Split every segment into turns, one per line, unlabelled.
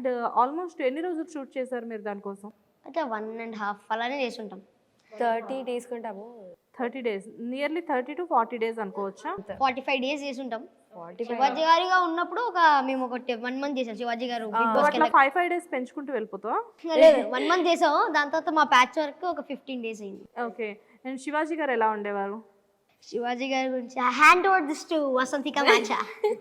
And almost ఎన్ని రోజులు shoot చేశారు మీరు దానికోసం?
అయితే 1.5 అలానే చేసి ఉంటాం.
30 days కొంటాము.
30 days, నియర్లీ 30 to 40 days అనుకోవచ్చా?
45 days చేసి ఉంటాం.
45
శివాజీ గారిగా ఉన్నప్పుడు మేము ఒక 1 month చేసాం. శివాజీ గారు బిగ్
సో
బాస్
అట్లా 5 days పెంచుకుంటూ వెళ్ళిపోతావా?
లేదు 1 month చేసాం. దాని తర్వాత మా ప్యాచ్ వర్క్ ఒక 15 days అయింది.
ఓకే. అండ్ శివాజీ గారు ఎలా ఉండేవారు?
శివాజీ గారి గురించి hand over this to Vasanthika మాచా.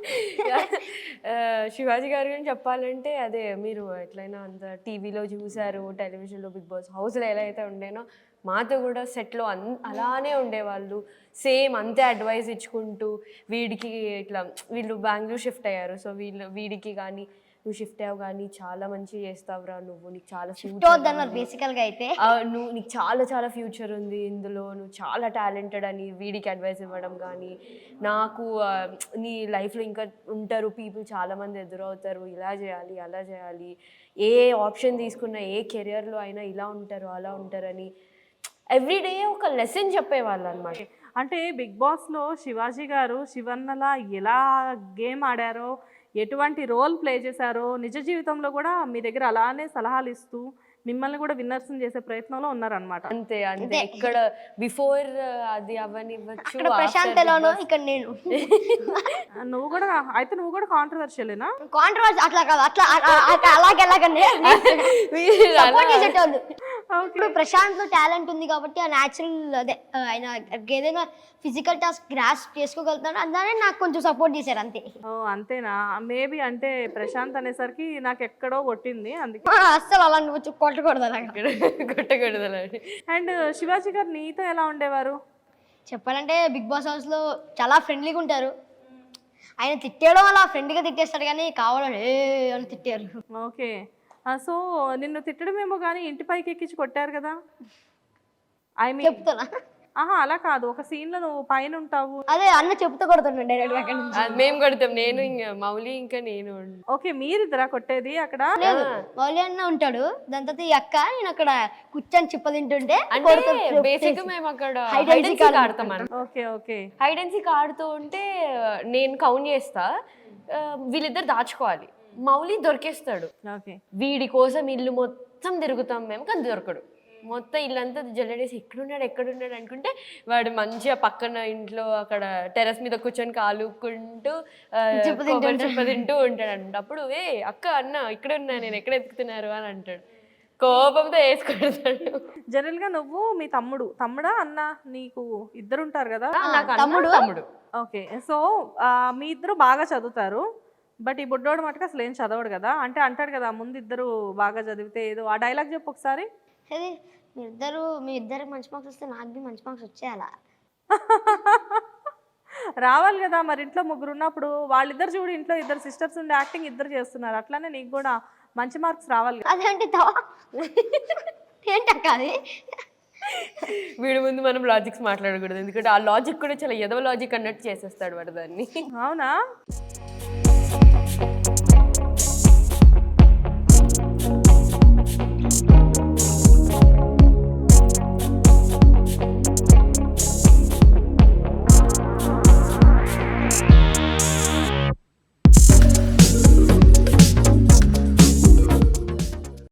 శివాజీ గారి గురించి చెప్పాలంటే అదే మీరు ఎట్లయినా అంత టీవీలో చూసారు, టెలివిజన్లో బిగ్ బాస్ హౌస్లో ఎలా అయితే ఉండేనో మాతో కూడా సెట్లో అలానే ఉండేవాళ్ళు. సేమ్ అంతే అడ్వైస్ ఇచ్చుకుంటూ వీడికి ఇట్లా వీళ్ళు బెంగళూరు షిఫ్ట్ అయ్యారు. సో వీడికి కానీ నువ్వు షిఫ్ట్ అయ్యావు కానీ చాలా మంచిగా చేస్తావురా నువ్వు, నీకు చాలా ఫ్యూచర్
బేసికల్గా అయితే
నీకు చాలా చాలా ఫ్యూచర్ ఉంది ఇందులో, నువ్వు చాలా టాలెంటెడ్ అని వీడికి అడ్వైస్ ఇవ్వడం కానీ, నాకు నీ లైఫ్లో ఇంకా ఉంటారు పీపుల్ చాలామంది ఎదురవుతారు, ఇలా చేయాలి అలా చేయాలి, ఏ ఆప్షన్ తీసుకున్నా ఏ కెరియర్లో అయినా ఇలా ఉంటారు అలా ఉంటారని ఎవ్రీడే ఒక లెసన్ చెప్పేవాళ్ళు అనమాట.
అంటే బిగ్ బాస్లో శివాజీ గారు శివన్నలా ఎలా గేమ్ ఆడారో, ఎటువంటి రోల్ ప్లే చేశారో, నిజ జీవితంలో కూడా మీ దగ్గర అలానే సలహాలు ఇస్తూ మిమ్మల్ని కూడా విన్నర్స్ చేసే ప్రయత్నంలో ఉన్నారనమాట.
అంతే అంతే. ఇక్కడ బిఫోర్ అది అవనివ్వచ్చు,
ప్రశాంత్ ఎలానో ఇక్కడ నేను.
నువ్వు కూడా కాంట్రవర్షియలేనా?
కాంట్రవర్సీ అట్లా కాదు, అట్లా అలాగెలాగండి సపోర్ట్ చేసేటోళ్ళు. ఇప్పుడు ప్రశాంత్ లో టాలెంట్ ఉంది కాబట్టి ఆ న్యాచురల్ అదే ఆయన ఏదైనా ఫిజికల్ టాస్క్ గ్రాస్ప్ చేసుకోగలుగుతాడు, అందుకనే నాకు కొంచెం సపోర్ట్ చేశారు అంతే.
ఓ అంతేనా? మేబీ అంటే ప్రశాంత్ అనేసరికి నాకు ఎక్కడో కొట్టింది, అందుకే
అస్సలు అలా నువ్వు కొట్టకూడదు
కొట్టకూడదు.
అండ్ శివాజీ గారు నీతో ఎలా ఉండేవారు?
చెప్పాలంటే బిగ్ బాస్ హౌస్ లో చాలా ఫ్రెండ్లీగా ఉంటారు. ఆయన తిట్టేయడం అలా ఫ్రెండ్గా తిట్టేస్తాడు కానీ కావాలని ఏ అని తిట్టారు.
ఓకే. సో నిన్ను తిట్టడమేమో కానీ ఇంటి పైకి ఎక్కించి కొట్టారు కదా? ఐ మీన్
చెప్తున్నా,
అలా కాదు, ఒక సీన్ లో నువ్వు పైన ఉంటావు.
అదే అన్న చెప్తూ కొడుతున్నాడు డైరెక్ట్ అక్కడ నుంచి.
మేము కొడతాం, నేను ఇంకా మౌలి ఇంకా నేను.
ఓకే, మీరిద్దరా కొట్టేది అక్కడ?
లేదు మౌలి అన్న ఉంటాడు, దాని తర్వాత ఈ అక్క నేను అక్కడ కూర్చొని చిప్ప తింటుంటే
బేసిక్ గా మేము అక్కడ
Hide and
hide and seek ఆడతాం.
Okay okay.
Hide and seek ఆడుతూ ఉంటే నేను కౌంట్ చేస్తా, వీళ్ళిద్దరు దాచుకోవాలి, మౌలి దొరికేస్తాడు.
ఓకే.
వీడి కోసం ఇల్లు మొత్తం తిరుగుతాం మేము, కానీ దొరకడు. మొత్తం ఇల్లంతా జల్లడేసి ఎక్కడున్నాడు అనుకుంటే వాడు మంచిగా పక్కన ఇంట్లో అక్కడ టెర్రస్ మీద కూర్చొని కాలుకుంటూ చిప్ప తింటూ ఉంటాడు అంట. అప్పుడు అక్క అన్న ఇక్కడ ఉన్నా, నేను ఎక్కడ ఎత్తుకుతున్నారు అని అంటాడు, కోపంతో వేసుకుంటాడు.
జనరల్ గా నువ్వు మీ తమ్ముడా అన్న, నీకు ఇద్దరు ఉంటారు కదా?
నాకు తమ్ముడు.
ఓకే. సో మీ ఇద్దరు బాగా చదువుతారు, బట్ ఈ బుడ్డోడు మటుకు అసలు ఏం చదవడు కదా? అంటే అంటాడు కదా ముందు ఇద్దరు బాగా చదివితే ఏదో, ఆ డైలాగ్ చెప్పు ఒకసారి.
అది మీ ఇద్దరికి మంచి మార్క్స్ వస్తే నాకు మంచి మార్క్స్ వచ్చేయాలా?
రావాలి కదా మరి. ఇంట్లో ముగ్గురు ఉన్నప్పుడు వాళ్ళిద్దరు చూడు, ఇంట్లో ఇద్దరు సిస్టర్స్ ఉండి యాక్టింగ్ ఇద్దరు చేస్తున్నారు, అట్లానే నీకు కూడా మంచి మార్క్స్ రావాలి.
అదేంటి ఏంటక్క అది?
వీడి ముందు మనం లాజిక్స్ మాట్లాడకూడదు, ఎందుకంటే ఆ లాజిక్ కూడా చాలా ఎదవ లాజిక్ అన్నట్టు చేసేస్తాడు వాడు దాన్ని.
అవునా?